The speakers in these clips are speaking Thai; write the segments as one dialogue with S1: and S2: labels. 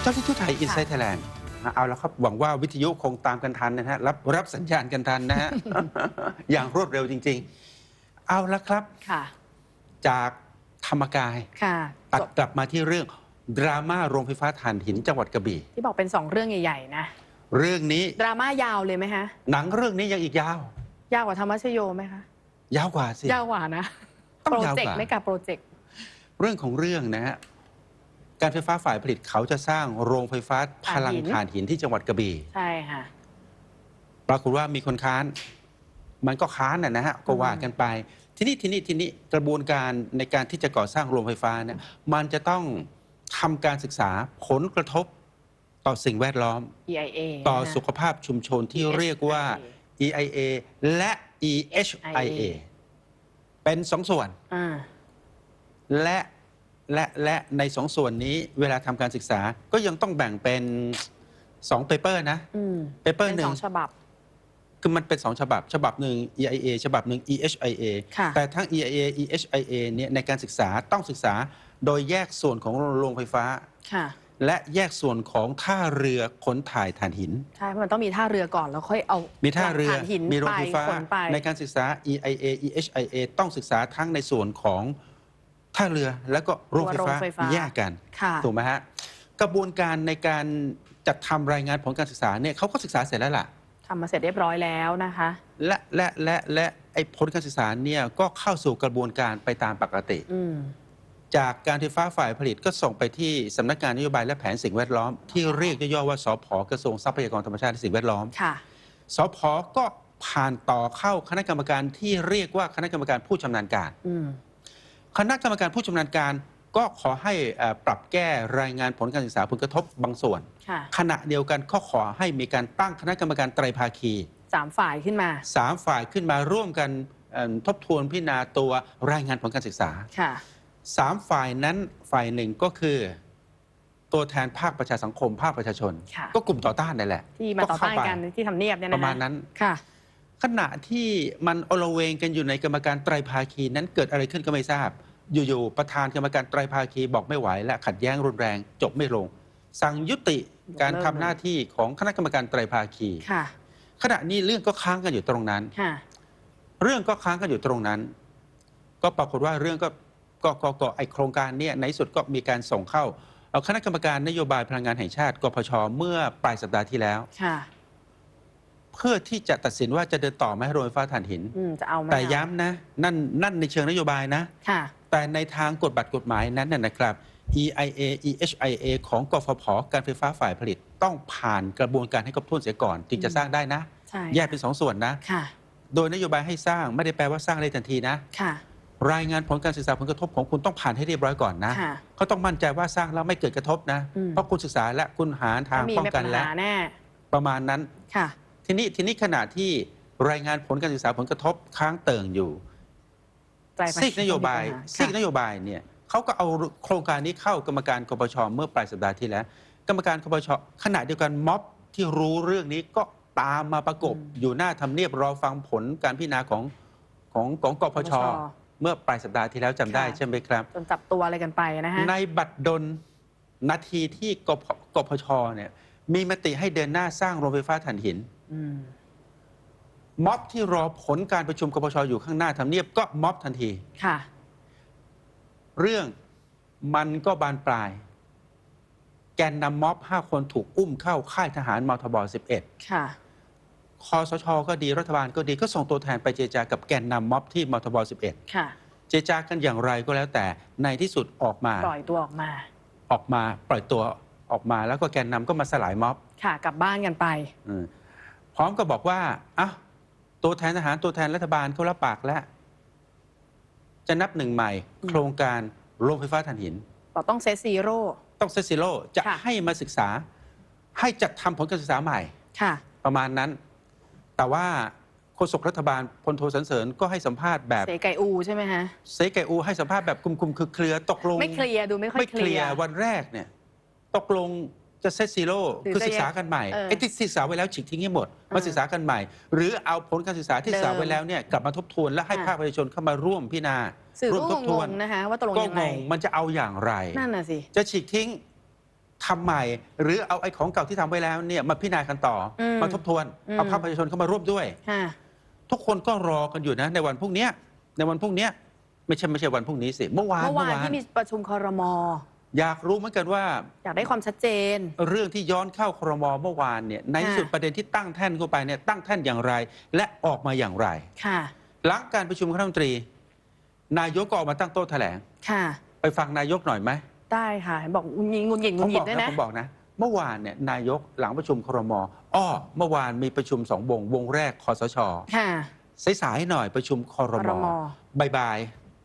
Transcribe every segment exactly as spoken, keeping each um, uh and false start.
S1: จ้าที่ทูตไทยอินไซต์ไทยแลนด์เอาแล้วครับหวังว่าวิทยุคงตามกันทันนะฮะรับรับสัญญาณกันทันนะฮะ อย่างรวดเร็วจริงๆเอาละครับจากธรรมกายตัดกลับมาที่เรื่องดราม่าโรงไฟฟ้าถ่านหินจังหวัดกระบี่
S2: ที่บอกเป็นสองเรื่องใหญ่ๆนะ
S1: เรื่องนี้
S2: ดราม่ายาวเลยไหมฮะ
S1: หนังเรื่องนี้ยังอีกยา
S2: วยาวกว่าธรรมชโยไหมคะ
S1: ยาวกว่าสิ
S2: ยาวกว่านะโปรเจกต์ไม่กับโปรเจกต์
S1: เรื่องของเรื่องนะฮะการไฟฟ้าฝ่ายผลิตเขาจะสร้างโรงไฟฟ้าพลังถ่านหินที่จังหวัดกระบี่
S2: ใช่ค่ะ
S1: ปรากฏว่ามีคนค้านมันก็ค้านนะฮะก็ว่ากันไปทีนี้ทีนี้ทีนี้กระบวนการในการที่จะก่อสร้างโรงไฟฟ้าเนี่ยมันจะต้องทำการศึกษาผลกระทบต่อสิ่งแวดล้อม
S2: อี ไอ เอ
S1: ต่อสุขภาพชุมชนที่เรียกว่า อี ไอ เอ และ อี เอช ไอ เอ เป็นสองส่วนและและและในสองส่วนนี้เวลาทำการศึกษาก็ยังต้องแบ่งเป็นสองเปเปอร์นะเปเปอร์หนึ่ง
S2: ฉบับ
S1: คือมันเป็นสองฉบับฉบับหนึ่ง อี ไอ เอ ฉบับหนึ่ง อี เอช ไอ เอ แต่ทั้ง อี ไอ เอ อี เอช ไอ เอ เนี่ยในการศึกษาต้องศึกษาโดยแยกส่วนของโรงไฟฟ้าและแยกส่วนของท่าเรือขนถ่ายถ่านหิน
S2: ใช่เพราะมันต้องมีท่าเรือก่อนแล้วค่อยเอา
S1: มีท่าเรือมีโรงไฟฟ้าใน
S2: กา
S1: รศึกษา อี ไอ เอ อี เอช ไอ เอ ต้องศึกษาทั้งในส่วนของท่าเรือแล้วก็โรงไฟฟ้าแยกกันถูกไหมฮะกระบวนการในการจัดทำรายงานผลการศึกษาเนี่ยเขาก็ศึกษาเสร็จแล้วล่ะ
S2: ทำมาเสร็จเรียบร้อยแล้วนะคะ
S1: และและและและไอ้ผลการศึกษาเนี่ยก็เข้าสู่กระบวนการไปตามปกติจากการไฟฟ้าฝ่ายผลิตก็ส่งไปที่สำนักงานนโยบายและแผนสิ่งแวดล้อมที่เรียกย่อๆว่าสผ.กระทรวงทรัพยากรธรรมชาติและสิ่งแวดล้อมสผ.ก็ผ่านต่อเข้าคณะกรรมการที่เรียกว่าคณะกรรมการผู้ชำนาญการคณะกรรมการผู้ชำนาญการก็ขอให้ปรับแก้รายงานผลการศึกษาผลกระทบบางส่วนขณะเดียวกันก็ขอให้มีการตั้งคณะกรรมการไตรภาคี
S2: สามฝ่ายขึ้นมา
S1: สามฝ่ายขึ้นมาร่วมกันทบทวนพิจารณาตัวรายงานผลการศึกษาสามฝ่ายนั้นฝ่ายหนึ่งก็คือตัวแทนภาคประชาสังคมภาคประชาชนก็กลุ่มต่อต้านนั่นแหละ
S2: ที่มาต่อต้านกันที่ทำเนียบเนี่ยนะ
S1: ประมาณนั้นขณะที่มันโอลเวงกันอยู่ในกรรมการไตรภาคีนั้นเกิดอะไรขึ้นก็ไม่ทราบอยู่ๆประธานกรรมการไตรภาคีบอกไม่ไหวและขัดแย้งรุนแรงจบไม่ลงสั่งยุติการทำหน้าที่ของคณะกรรมการไตรภาคีขณะนี้เรื่องก็ค้างกันอยู่ตรงนั้นเรื่องก็ค้างกันอยู่ตรงนั้นก็ปรากฏว่าเรื่องก็ก็ก็ก็ไอโครงการนี้ในสุดก็มีการส่งเข้าเอาคณะกรรมการนโยบายพลังงานแห่งชาติกพช.เมื่อปลายสัปดาห์ที่แล้วเพื่อที่จะตัดสินว่าจะเดินต่อไหมโรงไฟฟ้าถ่านหินแต่ย้ำนะนั่นนั่นในเชิงนโยบายนะแต่ในทางกฎบัตรกฎหมายนั้นนะครับ อี ไอ เอ อี เอช ไอ เอ ของกฟผ.การไฟฟ้าฝ่ายผลิตต้องผ่านกระบวนการให้ครบถ้วนเสียก่อนจึงจะสร้างได้นะแยกเป็นสองส่วนนะโดยนโยบายให้สร้างไม่ได้แปลว่าสร้างได้ทันทีนะรายงานผลการศึกษาผลกระทบของคุณต้องผ่านให้เรียบร้อยก่อนนะเขาต้องมั่นใจว่าสร้างแล้วไม่เกิดกระทบนะเพราะคุณศึกษาและคุณหาทางป้องกันและประมาณนั้นทีนี้ทีนี้ขณะที่รายงานผลการศึกษาผลกระทบค้างเติ่งอยู่ซีกนโยบายซีกนโยบายเนี่ยเขาก็เอาโครงการนี้เข้ากรรมการกปช.เมื่อปลายสัปดาห์ที่แล้วกรรมการกปช.ขณะเดียวกันม็อบที่รู้เรื่องนี้ก็ตามมาประกบอยู่หน้าทำเนียบรอฟังผลการพิจารณาของของของกปช.เมื่อปลายสัปดาห์ที่แล้วจำได้ใช่ไหมครับ
S2: จนจับตัวอะไรกันไปนะฮะ
S1: ในบัตรดลนาทีที่กปช.เนี่ยมีมติให้เดินหน้าสร้างโรงไฟฟ้าถ่านหินม็อบที่รอผลการประชุมกปช.อยู่ข้างหน้าทำเนียบก็ม็อบทันทีค่ะเรื่องมันก็บานปลายแกนนำม็อบห้าคนถูกอุ้มเข้าค่ายทหารมทบสิบเอ็ดค่ะคสช.ก็ดีรัฐบาลก็ดีก็ส่งตัวแทนไปเจรจากับแกนนำม็อบที่มทบสิบเอ็ดค่ะเจรจากันอย่างไรก็แล้วแต่ในที่สุดออกมา
S2: ปล่อยตัวออกมา
S1: ออกมาปล่อยตัวออกมาแล้วก็แกนนำก็มาสลายม็อบ
S2: ค่ะกลับบ้านกันไป
S1: พร้อมก็บอกว่าอ่ะตัวแทนทหารตัวแทนรัฐบาลเขารับปากแล้วจะนับหนึ่งใหม่โครงการโรงไฟฟ้าถ่านหิน
S2: ต้องเซตซีโร่
S1: ต้องเซตซีโร่จะให้มาศึกษาให้จัดทำผลการศึกษาใหม่ค่ะประมาณนั้นแต่ว่าโฆษกรัฐบาลพลโทสันเสริญก็ให้สัมภาษณ์แบบ
S2: เสไก่อูใช่ไหมฮะ
S1: เสไก่อูให้สัมภาษณ์แบบคุมๆคือเคลียร์ตกลง
S2: ไม่เคลียร์ดูไม่ค่อยเคลียร์
S1: วันแรกเนี่ยตกลงจะเซตซีโร่คือศึกษากันใหม่ไอ้ที่ศึกษาไว้แล้วฉีกทิ้งให้หมดมาศึกษากันใหม่หรือเอาผลการศึกษาที่ศึกษาไว้แล้วเนี่ยกลับมาทบทวนและให้ภาคประชาชนเข้ามาร่วมพิจารณา
S2: ร่วมทบทวนนะคะว่าตกลงยังไง
S1: มันจะเอาอย่างไร
S2: นั่นน่ะสิ
S1: จะฉีกทิ้งทำใหม่ หรือเอาไอ้ของเก่าที่ทำไว้แล้วเนี่ยมาพิจารณากันต่อ
S2: อืม
S1: มาทบทวน
S2: อืม
S1: เอาภาคประชาชนเข้ามาร่วมด้วย
S2: ค่ะ
S1: ทุกคนก็รอกันอยู่นะในวันพรุ่งเนี้ยในวันพรุ่งเนี้ยไม่ใช่ไม่ใช่วันพรุ่งนี้สิเมื่อวาน
S2: เมื่อวานที่มีประชุมครม.
S1: อยากรู้เหมือนกันว่า
S2: อยากได้ความชัดเจน
S1: เรื่องที่ย้อนเข้าครมเมื่อวานเนี่ยในที่สุดประเด็นที่ตั้งแท่นเข้าไปเนี่ยตั้งแท่นอย่างไร และออกมาอย่างไร
S2: ค่ะ
S1: หลังการประชุมคณะรัฐมนตรี นายกก็ออกมาตั้งโต๊ะแถลง
S2: ค่ะ
S1: ไปฟังนายกหน่อยไหม
S2: ได้ค่ะเห็นบอกงุนงิดงุนหงิดงุ
S1: ผ
S2: น
S1: ม
S2: หงิ
S1: บ
S2: ด
S1: อก
S2: ด้วย
S1: นะ
S2: นะ
S1: ผมบอกนะ เมื่อวานเนี่ยนายกหลังประชุมครมอ้อเมื่อวานมีประชุมสองวงวงแรกคสช
S2: ค่ะ
S1: สายๆหน่อยประชุมคร
S2: คร
S1: ม
S2: ม.
S1: บ่าย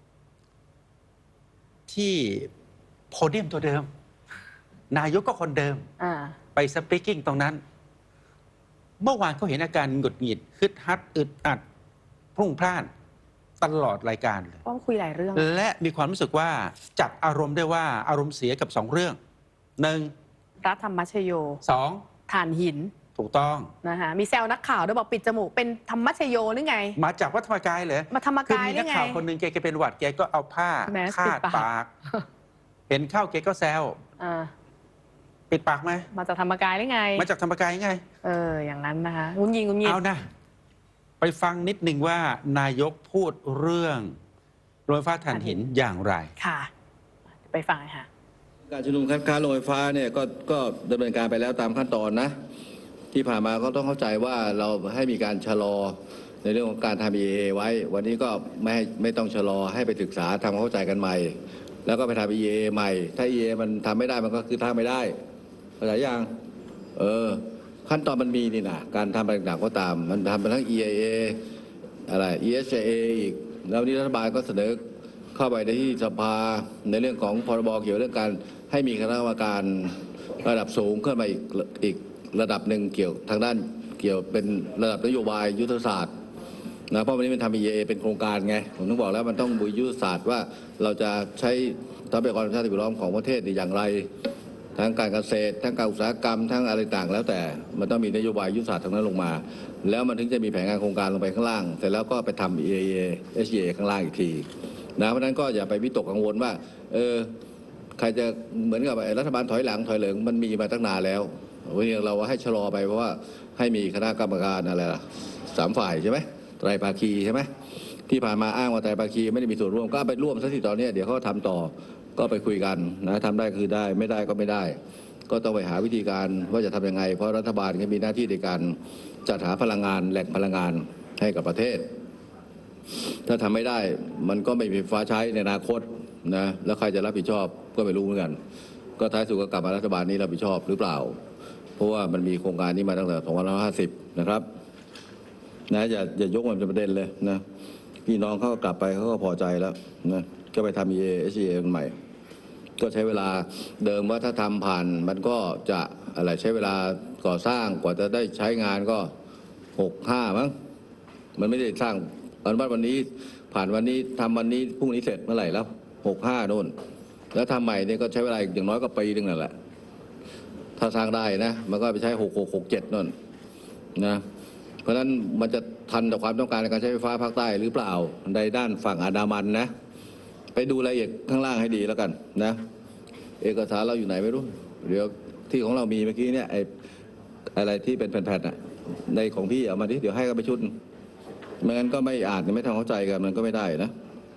S1: ๆที่โพเดียมตัวเดิม นายกก็คนเดิม
S2: อ่า
S1: ไปสปีกกิ้งตรงนั้น เมื่อวานเขาเห็นอาการหงุดหงิดฮึดฮัดอึดอัดพรุ่งพล่านตลอดรายการเลย
S2: ก็คุยหลายเรื่อง
S1: และมีความรู้สึกว่าจับอารมณ์ได้ว่าอารมณ์เสียกับสองเรื่องหนึ่ง
S2: รัฐธรรมชโย
S1: สอง
S2: ถ่านหิน
S1: ถูกต้อง
S2: นะคะมีแซวนักข่าวด้วยบอกปิดจมูกเป็นธรรมชโยหรือไง
S1: มาจากวัดธรรมกายเหรอ
S2: มาธรรม
S1: คือก
S2: าย
S1: มี
S2: หรื
S1: นัก
S2: อไง
S1: ข่าวคนหนึ่งแกแกเป็นหวัดแกก็เอาผ้า
S2: แมส
S1: คาด
S2: ปิดปาก
S1: ปาก เห็นเข้าแกก็แซว
S2: อ่า
S1: ปิดปากไหม
S2: มาจากธรรมกายหรือไง
S1: มาจากธรรมกายไง
S2: เออ อย่างนั้นนะคะงุนยิงงุนยิง
S1: เอานะ ไปฟังนิดหนึ่งว่านายกพูดเรื่องโรงไฟฟ้าถ่านหินอย่างไร
S2: ค่ะ ไปฟังค่ะ
S3: การชุมนุมคัดค้านโรงไฟฟ้าเนี่ยก็ก็ดำเนินการไปแล้วตามขั้นตอนนะ ที่ผ่านมาก็ต้องเข้าใจว่าเราให้มีการชะลอในเรื่องของการทำ อี เอ ไว้ วันนี้ก็ไม่ให้ไม่ต้องชะลอให้ไปศึกษาทำความเข้าใจกันใหม่ แล้วก็ไปทำ อี เอ ใหม่ ถ้า อี เอ มันทำไม่ได้มันก็คือทำไม่ได้เข้าใจยังเออขั้นตอนมันมีนี่นะการทำอะไรต่างๆก็ตาม มันทำไปทั้ง อี เอ เอ อะไร อี เอส เอ อีกแล้วนี้รัฐบาลก็เสนอเข้าไปในที่สภาในเรื่องของพรบเกี่ยวกับเรื่องการให้มีคณะกรรมการระดับสูงขึ้นมาอีกอีกระดับหนึ่งเกี่ยวทางด้านเกี่ยวเป็นระดับนโยบายยุทธศาสตร์นะเพราะวันนี้มันทำ อี เอ เป็นโครงการไงผมต้องบอกแล้วมันต้องบุยยุทธศาสตร์ว่าเราจะใช้ทรัพยากรธรรมชาติสิ่งแวดล้อมของประเทศอย่างไรทั้งการเกษตรทั้งการอุตสาหกรรมทั้งอะไรต่างแล้วแต่มันต้องมีนโยบายยุทธศาสตร์ทั้งนั้นลงมา แล้วมันถึงจะมีแผนงานโครงการลงไปข้างล่างเสร็จแล้วก็ไปทำ อี เอ เอ เอส เอ ข้างล่างอีกทีนะเพราะฉะนั้นก็อย่าไปวิตกกังวลว่าเออใครจะเหมือนกับรัฐบาลถอยหลังถอยเหลิงมันมีมาตั้งนานแล้ววันนี้เราให้ชะลอไปเพราะว่าให้มีคณะกรรมการอะไรล่ะสามฝ่ายใช่ไหมไตรภาคีใช่ไหมที่ผ่านมาอ้างว่าไตรภาคีไม่ได้มีส่วนร่วมก็ไปร่วมซะที่ตอนนี้เดี๋ยวเขาทำต่อก็ไปคุยกันนะทำได้คือได้ไม่ได้ก็ไม่ได้ก็ต้องไปหาวิธีการว่าจะทำยังไงเพราะรัฐบาลก็มีหน้าที่ในการจัดหาพลังงานแหล่งพลังงานให้กับประเทศถ้าทำไม่ได้มันก็ไม่มีไฟฟ้าใช้ในอนาคตนะแล้วใครจะรับผิดชอบก็ไม่รู้เหมือนกันก็ท้ายสุดก็กลับมารัฐบาลนี้รับผิดชอบหรือเปล่าเพราะว่ามันมีโครงการนี้มาตั้งแต่สองพันห้าร้อยห้าสิบนะครับนะอย่าอย่ายกมันเป็นประเด็นเลยนะพี่น้องเขาก็กลับไปเขาก็พอใจแล้วนะก็ไปทำ อี เอ เอส เอ ใหม่ก็ใช้เวลาเดิมว่าถ้าทำผ่านมันก็จะอะไรใช้เวลาก่อสร้างกว่าจะได้ใช้งานก็หกห้ามั้งมันไม่ได้สร้างอนุมัติวันนี้ผ่านวันนี้ทำวันนี้พรุ่งนี้เสร็จเมื่อไหร่แล้วหกห้าโน่นแล้วทำใหม่เนี่ยก็ใช้เวลาอย่างน้อยก็ปีนึงนั่นแหละถ้าสร้างได้นะมันก็ไปใช้หกหกหกเจ็ดโน่นนะเพราะฉะนั้นมันจะทันต่อความต้องการในการใช้ไฟฟ้าภาคใต้หรือเปล่าในด้านฝั่งอันดามันนะไปดูรายละเอียดข้างล่างให้ดีแล้วกันนะเอกสารเราอยู่ไหนไม่รู้เดี๋ยวที่ของเรามีเมื่อกี้เนี่ยไอ้อะไรที่เป็นแผ่นๆน่ะในของพี่เอามาดิเดี๋ยวให้กันไปชุดไม่งั้นก็ไม่อ่านไม่ทำเข้าใจกันมันก็ไม่ได้นะ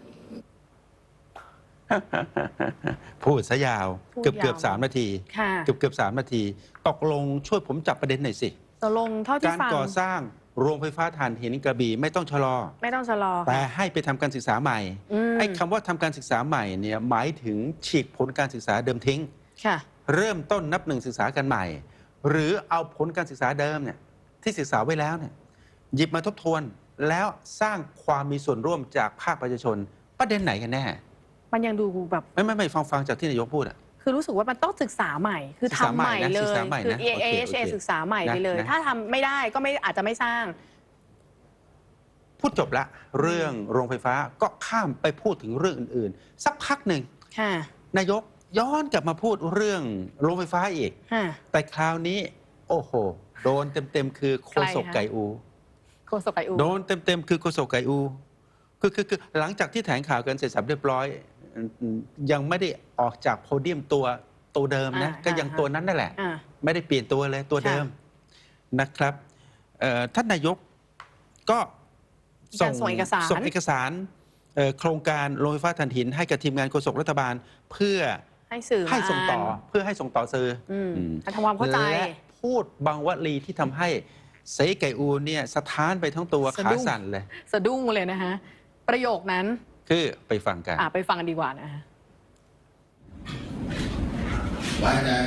S1: พูดซะยาว
S2: พูด
S1: เกือบเกือบ
S2: ยาว
S1: สามนาที
S2: ค่ะ
S1: เกือบเกือบสามนาทีตกลงช่วยผมจับประเด็นหน่อยสิ
S2: ตกลงเท่าที่
S1: การ
S2: ฟัง
S1: ก่อสร้างโรงไฟฟ้าถ่านหินกระบี่ไม่ต้องชะลอ
S2: ไม่ต้องชะลอ
S1: แต่ให้ไปทำการศึกษาใหม่
S2: อืม
S1: ไอ้คำว่าทำการศึกษาใหม่เนี่ยหมายถึงฉีกผลการศึกษาเดิมทิ้ง
S2: ค่ะ
S1: เริ่มต้นนับหนึ่งศึกษากันใหม่ หรือเอาผลการศึกษาเดิมเนี่ยที่ศึกษาไว้แล้วเนี่ยหยิบมาทบทวนแล้วสร้างความมีส่วนร่วมจากภาคประชาชนประเด็นไหนกันแน่
S2: มันยังดูแบบ
S1: ไม่ไม่ไม่ฟังฟังจากที่นายกพูดอะ
S2: คือรู้สึกว่ามันต้องศึกษาใหม่ คือ
S1: ศึกษา
S2: ทำ
S1: ให
S2: ให
S1: ม่
S2: ม่
S1: นะ
S2: เล
S1: ศึก
S2: ย
S1: ษาใหม่
S2: คือ
S1: นะ
S2: เอ
S1: โอเค
S2: เอ
S1: โอเค
S2: ศึกษาใหม่ไปเลย
S1: นะนะ
S2: ถ้าทำไม่ได้ก็ไม่อาจจะไม่สร้าง
S1: พูดจบละเรื่องโรงไฟฟ้าก็ข้ามไปพูดถึงเรื่องอื่นๆ สักพักหนึ่ง
S2: ค่ะ
S1: นายกย้อนกลับมาพูดเรื่องโรงไฟฟ้าอีก
S2: ค่ะ
S1: แต่คราวนี้ โอ้โห โดนเต็มๆคือโคศกไก่อู
S2: โฆษกไออู
S1: โดนเต็มๆคือโคศกไก่อูคือคือคือหลังจากที่แถลงข่าวกันเสร็จสับเรียบร้อยอืมยังไม่ได้ออกจากโพเดียมตัวตัวเดิมนะ
S2: อ่า
S1: ก็ยัง
S2: อ่า
S1: ตัวนั้นนั่นแหละ
S2: อ่า
S1: ไม่ได้เปลี่ยนตัวเลยตัวเดิมนะครับเอ่อท่านนายกก็
S2: มีการส่งเอกสาร
S1: ส่งเอกสารเอ่อโครงการโรงไฟฟ้าถ่านหินให้กับทีมงานโฆษกรัฐบาล เพื่อ
S2: ให้สื่อ
S1: ให้ส่งต่อ
S2: มา
S1: เพื่อให้ส่งต่อสื่ออ
S2: ม
S1: อืม
S2: ทำความเข้าใจ
S1: และพูดบางวลีที่ทำให้เสไก่อูเนี่ยสะท้านไปทั้งตัว
S2: สะ
S1: ขา
S2: ดุ้ง
S1: สั่นเลย
S2: สะดุ้งเลยนะฮะ ประโยคนั้น
S1: คือไปฟังกัน
S2: อ่ะไปฟังกันดีกว่านะฮะ
S3: ไว้ใจ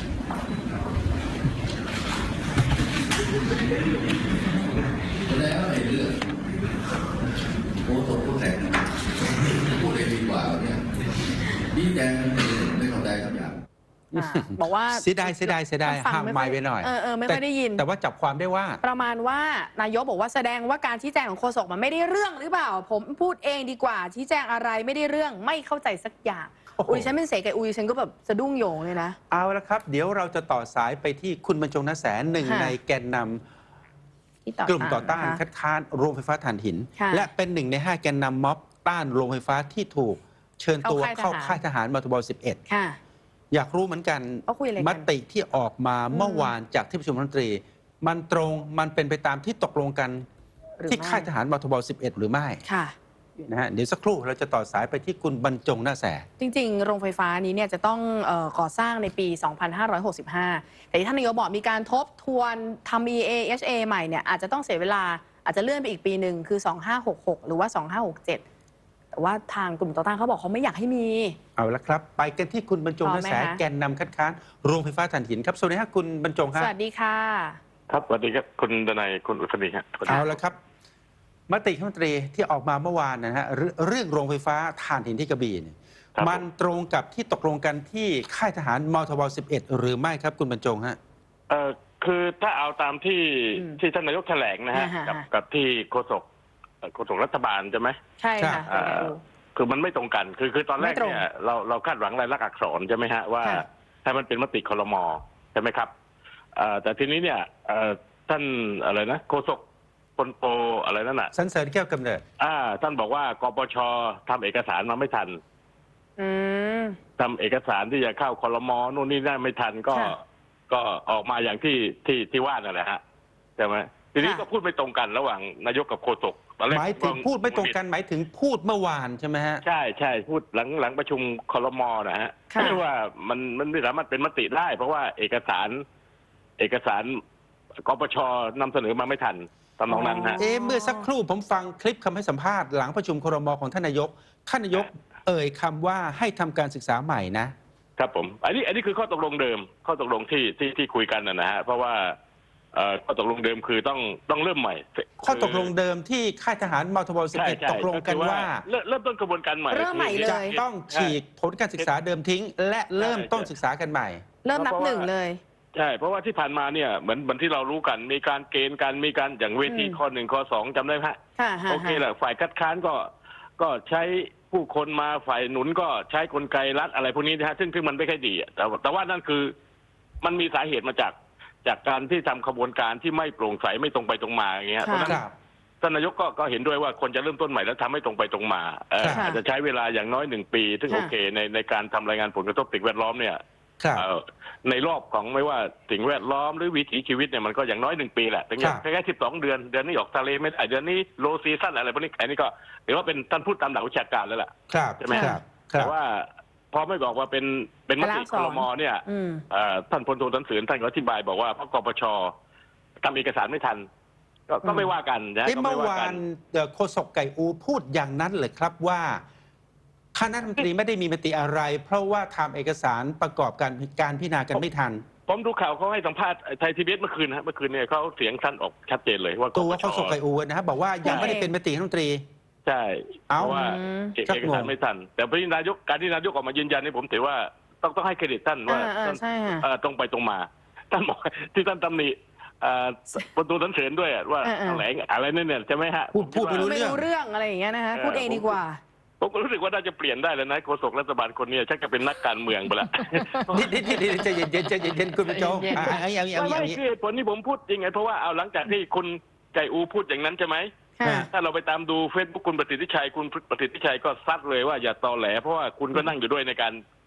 S3: แล้วไอ้เรื่องโอ้ตกผู้แต่งพูดเองดีกว่าเนี่ยดีแดงไม่เข้าใจคำหยาบ
S2: อ่าบอกว่า
S1: เสียดายเสียดายเสียดาย
S2: ฟัง
S1: ห้าม
S2: ค่
S1: ไม่
S2: อย
S1: ไว้หน่อย
S2: เออเออไม่ค่อย
S1: แต่
S2: ได้ยิน
S1: แต่ว่าจับความได้ว่า
S2: ประมาณว่านายกบอกว่าแสดงว่าการชี้แจงของโฆษกมันไม่ได้เรื่องหรือเปล่า ผมพูดเองดีกว่า ชี้แจงอะไรไม่ได้เรื่องไม่เข้าใจสักอย่าง
S1: โอ้โห
S2: อุ้ยฉันเป็นเสกไก่อุ้ยฉันก็แบบสะดุ้งโยงเลยนะ
S1: เอาละครับ เดี๋ยวเราจะต่อสายไปที่คุณบรรจงนแสนหนึ่ง
S2: ค่ะ
S1: ในแกนนำ
S2: ที่ต่อก
S1: ลุ่มต่อต้าน
S2: นะคะ
S1: คัดค้านโรงไฟฟ้าถ่านหิน
S2: ค่ะ
S1: และเป็นหนึ่งในห้าแกนนำม็อบต้านโรงไฟฟ้าที่ถูกเชิญตัว
S2: เข้า
S1: เข้า
S2: ค่า
S1: ค่าย ย
S2: ท
S1: ท
S2: หาร
S1: หารมทบสิบเอ็ด
S2: ค่ะ
S1: อยากรู้เหมือนกัน
S2: เขาคุยอะไรกัน
S1: มติที่ออกมา
S2: อืม
S1: เมื่อวานจากที่ประชุมรัฐมนตรี มันตรงมันเป็นไปตามที่ตกลงกัน
S2: หรือ
S1: ที่
S2: ไม่
S1: ค่ายทหารมทบสิบเอ็ดหรือไม่
S2: ค่ะ
S1: นะฮะเดี๋ยวสักครู่เราจะต่อสายไปที่คุณบรรจงหน้าแส
S2: จริงๆ โรงไฟฟ้านี้เนี่ยจะต้องเออก่อสร้างในปี สองพันห้าร้อยหกสิบห้า แต่ที่ท่านนายกบอกมีการทบทวนทำ อี เอ เอช เอ ใหม่เนี่ยอาจจะต้องเสียเวลาอาจจะเลื่อนไปอีกปีหนึ่งคือ สองพันห้าร้อยหกสิบหก หรือว่า สองพันห้าร้อยหกสิบเจ็ด แต่ว่าทางกลุ่มต่อต้านเขาบอกเขาไม่อยากให้มี
S1: เอาละครับ ไปกันที่คุณบรรจงหน้าแส
S2: พร้อมไหมคะ
S1: แกนนำคัดค้านโรงไฟฟ้าถ่านหินครับสวัสดีครับคุณบรรจง
S2: ส
S1: ครับ
S2: วัสดีค่ะ
S4: ครับสวัสดีครับคุณดนัยคุณอุศนีครับ
S2: ค่ะ
S1: เอาละครับ มติคณะรัฐมนตรีที่ออกมาเมื่อวานนะฮะเรื่องเรื่องโรงไฟฟ้าถ่านหินที่กระบี่เนี่ย
S4: ครับ
S1: มันตรงกับที่ตกลงกันที่ค่ายทหารมทบสิบเอ็ดหรือไม่ครับคุณบรรจงฮะ
S4: เอ่อคือถ้าเอาตามที่
S2: อืม
S4: ที่ท่านนายกแถลงนะฮะ
S2: อ่าฮะ
S4: กับกับที่โฆษกเอ่อโฆษกรัฐบาลใช่ไหม
S2: ใช่ค่ะ
S4: เอ่อคือมันไม่ตรงกัน คือคือตอนแรก
S2: ไม่ตรง
S4: เนี่ยเราเราคาดหวังรายลักษณ์อักษรใช่ไหมฮะว่า
S2: ค่ะ
S4: ให้มันเป็นมติคลมใช่ไหมครับเอ่อแต่ทีนี้เนี่ยเอ่อท่านอะไรนะโฆษกพลโปอะไรนั่นน่ะ
S1: สันเสริญแก้วกำเนิด
S4: อ่าท่านบอกว่ากปชทำเอกสารมาไม่ทัน
S2: อืม
S4: ทำเอกสารที่จะเข้าคลมนู่นนี่นั่นไม่ทันก็
S2: ค่ะ
S4: ก็ออกมาอย่างที่ที่ที่ว่านั่นแหละฮะใช่ไหมทีนี้
S2: ค่ะ
S4: ก็พูดไม่ตรงกันระหว่างนายกกับโฆษกตอนแรก
S1: หมายถึงพูดไม่ตรงกันหมายถึงพูดเมื่อวานใช่ไหมฮะ
S4: ใช่ใช่พูดหลังหลังประชุมคลมนะฮะ
S2: ค่ะ
S4: ไม่ว่ามันมันไม่สามารถเป็นมติได้ เพราะว่าเอกสาร เอกสารกปชนำเสนอมาไม่ทันตอนนั้นฮะ
S1: เอ๊ะเมื่อสักครู่ผมฟังคลิปคำให้สัมภาษณ์หลังประชุมครมของท่านนายกท่านนายกเอ่ยคำว่าให้ทำการศึกษาใหม่นะ
S4: ครับผม อันนี้อันนี้คือข้อตกลงเดิม ข้อตกลงที่ที่ที่คุยกันนะนะฮะเพราะว่าเอ่อข้อตกลงเดิมคือต้องต้องเริ่มใหม่
S1: ข้อตกลงเดิมที่ค่ายทหารมทบสิบ
S4: ใช่
S1: เอ็ด
S4: ใช่
S1: ตกลงกันว่า
S4: เริ่มเริ่มต้นกระบวนการใหม่
S2: เริ่มใหม่เลย
S1: จะต้องฉีกผลการศึกษาเดิมทิ้ง และเริ่มต้นศึกษากันใหม่
S2: เริ่มนับหนึ่งเลย
S4: ใช่เพราะว่าที่ผ่านมาเนี่ยเหมือนเหมือนที่เรารู้กันมีการเกณฑ์กันมีการอย่างเวที
S2: อืม
S4: ข้อหนึ่งข้อสองจำได้ไหมฮะ
S2: ค่ะฮะ
S4: โอเคแหละฝ่ายคัดค้านก็ก็ใช้ผู้คนมาฝ่ายหนุนก็ใช้กลไกรัฐอะไรพวกนี้นะฮะซึ่งซึ่งมันไม่ค่อยดีอะแต่ว่าแต่ว่านั่นคือมันมีสาเหตุมาจากจากการที่ทำขบวนการที่ไม่โปร่งใสไม่ตรงไปตรงมาอย่างเงี้ยเพราะฉะนั้น
S1: ครับ
S4: ท่านนายกก็ก็เห็นด้วยว่าคนจะเริ่มต้นใหม่แล้วทำให้ตรงไปตรงมาเอ่อ
S1: ครับ
S4: อาจจะใช้เวลาอย่างน้อยหนึ่งปี ซึ่ง
S2: ค่ะ
S4: โอเคในในการทำรายงานผลกระทบสิ่งแวดล้อมเนี่ย
S1: ครับ
S4: เอ่อในรอบของไม่ว่าสิ่งแวดล้อมหรือวิถีชีวิตเนี่ยมันก็อย่างน้อยหนึ่งปีแหละถึง
S1: ครั
S4: จะ
S1: บ
S4: แค่สิบสองเดือนเดือนนี้ออกทะเลไม่ได้เดือนนี้โลซีซั่นอะไรพวกนี้อันนี้ก็ถือว่าเป็นท่านพูดตามหลักวิชาการแล้วล่ะ
S1: ครับ
S4: ใช่ไหม
S1: ครับครั
S4: แต่
S1: บ
S4: ว่าพอไม่บอกว่าเป็นเป็นม
S2: รายลั
S4: ติ
S2: กษณ์
S4: ค
S2: อักษร
S4: รมเนี่ย
S2: อืม
S4: เอ่อท่านพลโทสันเสริญท่านก็อธิบายบอกว่าเพราะกปชทำเอกสารไม่ทัน ก็ก็ไม่ว่ากันนะ
S1: เอ๊ะ
S4: ก็
S1: เมื่
S4: ไม่
S1: อ
S4: ว่ากั
S1: วาน นเอ่อโฆษกไก่อูพูดอย่างนั้นเลยครับว่าคณะรัฐมนตรีไม่ได้มีมติอะไร เพราะว่าทำเอกสารประกอบการการพิจารณากันไม่ทัน
S4: ผมดูข่าวเขาให้สัมภาษณ์ไทยทีวีเอสเมื่อคืนนะฮะเมื่อคืนเนี่ยเขาเสียงท่านออกชัดเจนเลยว่า
S1: ตัว
S4: กปช
S1: โฆษกไก่อูนะครับบอกว่ายังไม่ได้เป็นมติคณะรัฐมนตรี
S4: ใช่
S1: เอ้า
S4: เพราะว่า
S2: อืม
S4: เอก
S1: ชัก
S4: เอก
S1: งง
S4: สารไม่ทัน แต่พระนายกการที่นายกออกมายืนยันนี่ผมถือว่าต้องต้องให้เครดิตท่านว่า
S2: อ่าอ่า
S4: ท่าน
S2: ใช่ค่ะ
S4: เอ่อตรงไปตรงมา ท่านบอกที่ท่านตำหนิเอ่อประตูสันเสริญด้วยอะว่า
S2: เออเออ
S4: แถลงอะไรนั่นเนี่ยใช่ไหมฮะ
S1: พูดพูด
S4: ผมคิ
S1: ไม่
S4: ว่า
S1: รู้
S2: ไม่รู้เรื่องอะไรอย่างเงี้ยนะคะพูดเองดีกว่า
S4: ผมก็รู้สึกว่าน่าจะเปลี่ยนได้แล้วนะโฆษกรัฐบาลคนนี้ชักจะเป็นนักการเมืองไปละ
S1: นิดนิดนิดนิดใจเย็นเย็นใจเย็นเย็นคุณผู้ชม
S2: เย็นๆ
S1: อ่ะเอาอย่างนี้เอาอย่างนี้
S4: ไม่
S1: เอาอ
S4: ไม่
S1: ย่างนี้
S4: คือเหตุผลที่ผมพูดจริงไงเพราะว่าเอาหลังจากที่คุณไก่อูพูดอย่างนั้นใช่ไหม
S2: ค่ะ
S4: ถ้าเราไปตามดูเฟซบุ๊กคุณประสิทธิชัยคุณประสิทธิชัยก็ซัดเลยว่าอย่าตอแหลเพราะว่าคุณก็นั่งอยู่ด้วยในการ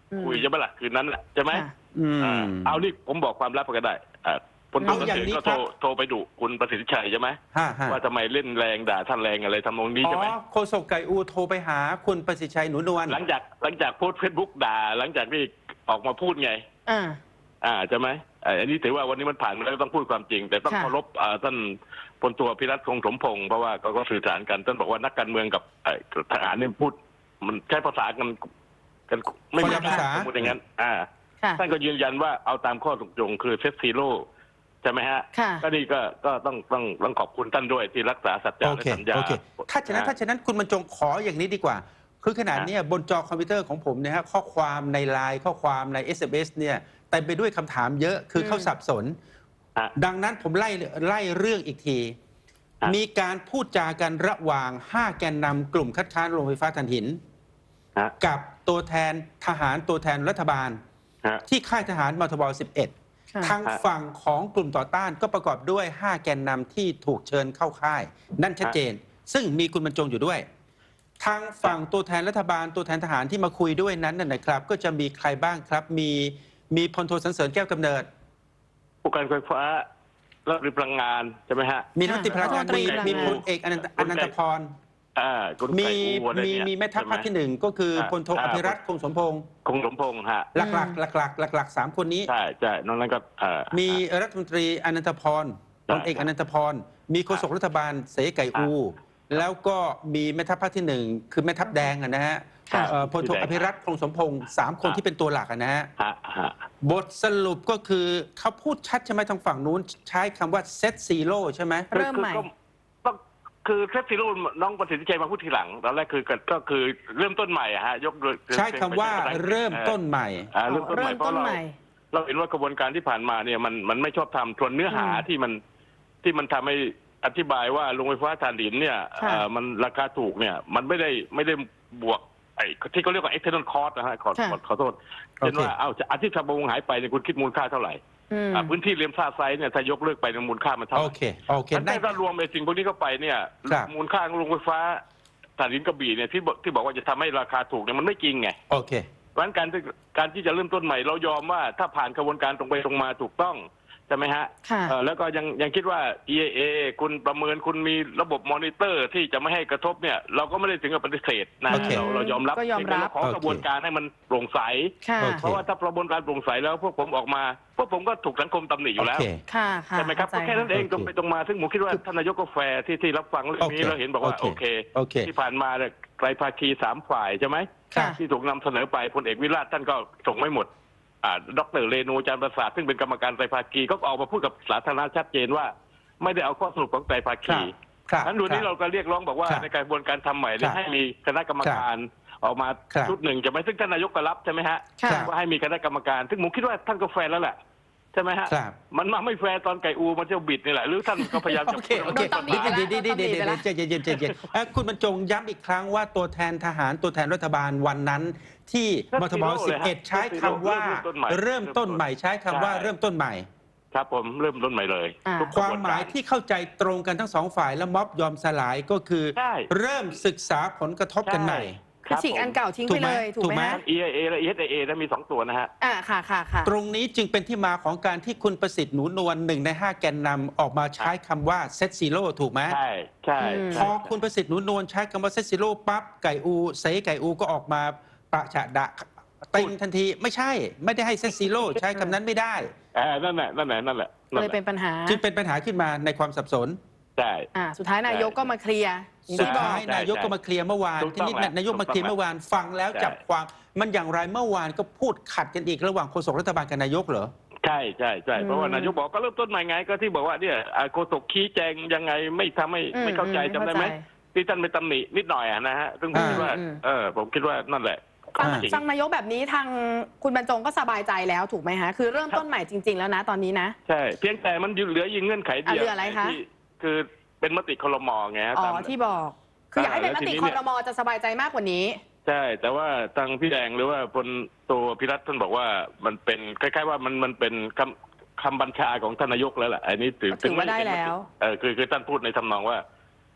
S2: อืม
S4: คุยใช่ไหมล่ะคืนนั้นแหละใช่ไหม
S2: ค่ะ
S1: อืม
S4: อ่าเอานี่ผมบอกความลับก็ได้อ่าพลตำรวจ
S1: เอาอย่าง
S4: เอก
S1: นี้
S4: ก็
S1: ครั
S4: โทร
S1: บ
S4: โทรไปดุคุณประสิทธิชัยใช่ไหม
S1: ห้าห้า
S4: ว่าทำไมเล่นแรงด่าท่านแรงอะไรทำนองนี้
S1: อ๋อ
S4: ใช่ไหม
S1: โฆษกไก่อูโทรไปหาคุณประสิทธิ์ชัยหนูนวล
S4: หลังจากหลังจากโพสต์เฟซบุ๊กด่า หลังจากที่ออกมาพูดไง
S2: อ่า
S4: อ่าใช่ไหมอ่าอันนี้ถือว่าวันนี้มันผ่านมาแล้วก็ต้องพูดความจริง แต่ต้อง
S2: ค่ะ
S4: เคารพอ่าท่านพลตัวพิรัตคงสมพงศ์เพราะว่าก็ก็สื่อสารกันท่านบอกว่านักการเมืองกับเอ่อทหารเนี่ยพูด มันใช้ภาษากันกันไม่เหมือน
S1: คนละภาษา
S4: สมมติอย่างนั้น อ่า
S2: ค่ะ
S4: ท่านก็ยืนยันว่าเอาตามข้อตกลงคือเซตซีโร่ใช่ไหมฮะ
S2: ค่ะ
S4: ก็นี่ก็ก็ต้องต้องต้องขอบคุณท่านด้วยที่รักษาสัจจะ
S1: โอ
S4: และ
S1: เค
S4: สัญญา
S1: โอเคถ้าฉะนั้น
S4: อ่
S1: ถ้าฉะนั้นคุณบรรจงขออย่างนี้ดีกว่า คือขนาดเนี้ยบนจอคอมพิวเตอร์ของผมเนี่ยฮะข้อความในไลน์ข้อความใน เอส เอ็ม เอส เนี่ยเต็มไปด้วยคำถามเยอะคือ
S2: ม
S1: เขาสับสน
S4: ฮะ
S1: ดังนั้นผมไล่ไล่เรื่องอีกที
S4: ฮะ
S1: มีการพูดจากันระหว่าง ห้า แกนนำกลุ่มคัดค้านโรงไฟฟ้าถ่านหิน
S4: ฮะ
S1: กับตัวแทนทหารตัวแทนรัฐบาล
S4: ฮะ
S1: ที่ค่ายทหารมทบสิบเอ็ด
S2: ค่ะ
S1: ทางฝั่งของกลุ่มต่อต้านก็ประกอบด้วย ห้า แกนนำที่ถูกเชิญเข้าค่าย นั่นชัดเจน ซึ่งมีคุณบรรจงอยู่ด้วย ทางฝั่งตัวแทนรัฐบาลตัวแทนทหารที่มาคุยด้วยนั้นนะนะครับ ก็จะมีใครบ้างครับ มีมีพลโทสันเสริญแก้วกำเนิด
S4: ผู้การไฟฟ้าและพลังงานใช่ไหมฮะ
S1: มีรัฐมนตรีพลังงาน
S2: รัฐมนตรี
S1: มี
S2: พลังงาน
S1: มีพลเอกอนันตอนันตพร
S4: อ่าคุณ
S1: มี
S4: ไก่อูอะไร
S1: มี
S4: เนี่ย
S1: มีแม่ทัพภาคที่หนึ่งก็คือพลโทอภิรัตน์คงสมพงศ์
S4: คงสมพงษ์ฮะ
S1: หลักๆหลักๆหลักๆสามคนนี้
S4: ใช่ใช่นอกนั้นก็เอ่อ
S1: มีรัฐมนตรีอนันตพรพลเอกอนันตพร มีโฆษกรัฐบาลเสไก่อู แล้วก็มีแม่ทัพภาคที่หนึ่งคือแม่ทัพแดงอะนะฮะ
S2: ค่ะ
S1: เอ่อพลโทอภิรัตน์คงสมพงศ์สามคนที่เป็นตัวหลักอะนะฮะ
S4: ฮะฮะ
S1: บทสรุปก็คือเขาพูดชัดใช่ไหมทางฝั่งนู้นใช้คำว่าเซตซีโร่ใช่ไหม
S2: เริ่มใหม่
S4: คือก็ต้องคือเซฟซีโร่น้องประสิทธิชัยมาพูดทีหลังตอนแรกคือก็ก็คือเริ่มต้นใหม่อะฮะยกโดย
S1: ใช้คำว่าเริ่มต้นใหม่
S4: อ่าเริ่มต้นให
S2: เริ่
S4: ม่
S2: ม
S4: เพ
S2: ต้
S4: ราะ
S2: น
S4: เรา
S2: ใหม่
S4: เราเห็นว่ากระบวนการที่ผ่านมาเนี่ยมันมันไม่ชอบทำส่วนเนื้อหา
S2: อืม
S4: ที่มันที่มันทำให้อธิบายว่าโรงไฟฟ้าถ่านหินเนี่ย
S2: ค่ะ
S4: เอ่อมันราคาถูกเนี่ย มันไม่ได้ไม่ได้บวกไอ้ที่เขาเรียกว่า external cost นะฮะขอ
S2: ค่ะ
S4: ขอขอโทษ
S1: โอเค
S4: เช่นว่าเอาอาทิตย์ทำประมงหายไปเนี่ยคุณคิดมูลค่าเท่าไหร่
S2: อืม
S4: อ่าพื้นที่เลียมซาไซด์เนี่ยถ้ายกเลิกไปเนี่ยมูลค่ามันเท่าไห
S1: โอ
S4: ร่
S1: เคโอเค
S4: งั้น
S1: ได้
S4: ถ้ารวมไอ้สิ่งพวกนี้เข้าไปเนี่ย
S1: ครับ
S4: มูลค่าของโรงไฟฟ้าถ่านหินกระบี่เนี่ยที่บอกที่บอกว่าจะทำให้ราคาถูกเนี่ยมันไม่จริงไง
S1: โอเค
S4: เพราะฉะนั้นการที่การที่จะเริ่มต้นใหม่เรายอมว่าถ้าผ่านกระบวนการตรงไปตรงมาถูกต้องใช่ไหมฮะ
S2: ค่ะ
S4: เอ่อแล้วก็ยังยังคิดว่า อี เอ เอ คุณประเมินคุณมีระบบมอนิเตอร์ที่จะไม่ให้กระทบเนี่ยเราก็ไม่ได้ถึงกับปฏิเสธนะ
S1: โอเค
S4: เราเรายอมรับ
S2: ก็ยอมรับ
S4: เพีงแต่เาขอกระบวนการให้มันโปร่งใส
S2: ค่ะ
S1: โอเค
S4: เพราะว่าถ้ากระบวนการโปร่งใสแล้วพวกผมออกมาพวกผมก็ถูกสังคมตำหนิอยู่แล้ว
S1: โอเค
S2: ค่ะค่ะ
S4: ใช่ไหมครับก็
S2: เข้าใจ
S4: แค่นั้นเอง
S1: โอเค
S4: ตรงไปตรงมาซึ่งผมคิดว่าท่านนายกก็แฟร์ที่ที่รับฟังเรื่องนี้
S1: โอเค
S4: แล้วเห็นบอกว่า
S1: โอ
S4: โอ
S1: เค
S4: เค
S1: โอเค
S4: ที่ผ่านมาเนี่ยไตรภาคีสามฝ่ายใช่ไหม
S2: ค่ะ
S4: ที่ถูกนำเสนอไปพลเอกวิราชท่านก็ส่งไม่หมดอ่าดรเรนูจารย์ประสาทซึ่งเป็นกรรมการไตรภาคีก็ออกมาพูดกับสาธารณะชัดเจนว่า ไม่ได้เอาข้อสรุปของไตรภา
S1: ครั
S4: คี
S1: บครับ
S4: นั้นดูนี้เราก็เรียกร้องบอกว่า
S1: ครับ
S4: ในกระบวนการทำใหม่เนี่ย
S1: ครับ
S4: ให้มีคณะกรรมการออกมา
S1: ครับ
S4: ชุดหนึ่งจะไหมซึ่งท่านนายกก็รับใช่ไหมฮะ
S2: ค่ะ
S1: ครับ
S4: ว่าให้มีคณะกรรมการ ซึ่งผมคิดว่าท่านก็แฟร์แล้วแหละใช่ไหมฮะ
S1: ครับ
S4: มันมาไม่แฟร์ตอนไก่อูมันจะบิดนี่แหละหรือท่านก็พยายามจะ
S1: โอเคโอเค
S2: โดนตำหนิ
S1: เดี๋ยว
S2: ไปแล้ว
S1: เดี๋ยวเดี๋ยวเดี๋ยว
S2: โดนตำหนิไปแล้ว
S1: ใจเย็นใจเย็นเอ่อคุณบรรจงย้ำอีกครั้งว่าตัวแทนทหารตัวแทนรัฐบาลวันนั้น ที่มทบสิบเอ็ดใช้คำว่าเริ่มต้นใหม่ใช้คำว่าเริ่มต้นใหม่
S4: ครับผมเริ่มต้นใหม่เลย
S2: อ่า
S4: ทุก
S1: ความ
S4: กระบน
S1: หมาย
S4: กร
S1: ที่เข้าใจตรงกันทั้งสองฝ่ายและม็อบยอมสลายก็คือ
S4: ใช่
S1: เริ่มศึกษาผลกระทบกันใหม่
S2: คือฉีกอันเก่าทิ้งไปเลย
S1: ถู
S2: ถู
S1: ก
S2: ก
S1: ไห
S2: ไห
S1: ม
S2: ม
S4: ทั้ง อี ไอ เอ และ อี เอส เอ นะมีสองตัวนะฮะ
S2: อ่าค่ะค่ะค่ะ
S1: ตรงนี้จึงเป็นที่มาของการที่คุณประสิทธิ์หนูนวลหนึ่งในห้าแกนนำออกมาใช้คำว่าเซตซีโร่ถูกไหม
S4: ใช่ใช่
S2: อืม
S1: พ
S4: ใช่
S1: อคุณประสิทธิ์หนูนวลใช้คำว่าเซตซีโร่ปั๊บไก่อูเซไก่อูก็ออกมาประฉะดะติงทันทีไม่ใช่ ไม่ได้ให้เซตซีโร่ใช้คำนั้นไม่ได้
S4: เออนั่นแหละนั่นแหละนั่นแหละ
S2: ก็เลยเป็นปัญหา
S1: จึงเป็นปัญหาขึ้นมาในความสับสน
S4: ใช่
S2: อ่า สุดท้ายนายกก็มาเคลียร์อย่าง
S1: สุด
S2: ที่บอ
S1: ท้าก ยนายกก็มาเคลียร์เมื่อวาน
S4: ถูก
S1: ที
S4: ต้อง
S1: นี้
S4: แล้ว
S1: นายกมาเคลียร์เมื่อวานฟังแล้ว
S4: ใช่
S1: จับความมันอย่างไรเมื่อวานก็พูดขัดกันอีกระหว่างโฆษกรัฐบาลกับนายกเหรอ
S4: ใช่ใช่ใช่
S2: อืม
S4: เพราะว่านายกบอกก็เริ่มต้นใหม่ไงก็ที่บอกว่าเนี่ยอ่าโฆษกชี้แจงยังไงไม่ทำให้
S2: อืม
S4: ไม่เข้าใจ
S2: อืม
S4: จำได้ไหม
S2: เข้าใจ
S4: ที่ท่านไปตำหนินิดหน่อยอะนะฮะซึ่งผม
S1: อ่า
S4: คิดว่า
S2: อืม
S4: เออผมคิดว่านั่นแหละ
S2: ฟัง
S1: อ่า
S4: จริง
S2: ฟังนายกแบบนี้ทางคุณบรรจงก็สบายใจแล้วถูกไหมฮะ คือเริ่มต้นใหม่จริง ๆ แล้วนะตอนนี้นะ
S4: ใช่เพียงแต่มันเหลือยิงเงื่อนไขเดียว
S2: อ่ะเหลืออะไรคะ
S4: ที่คือเป็นมติครมไงฮะ
S2: อ๋อ
S4: ตาม
S2: ที่บอก คืออยากให้เป็นมติ
S4: แล้วทีนี้
S2: ค
S4: เนี่
S2: อย รมอจะสบายใจมากกว่านี้
S4: ใช่ แต่ว่าทางพี่แดงหรือว่าพลตัวพิรัตน์ท่านบอกว่ามันเป็นคล้ายๆว่ามันมันเป็นคำคำบัญชาของท่านนายกแล้วแหละอันนี้ถือ
S2: ถือว่าได้แล้ว
S4: เออคือคือท่านพูดในทำนองว่า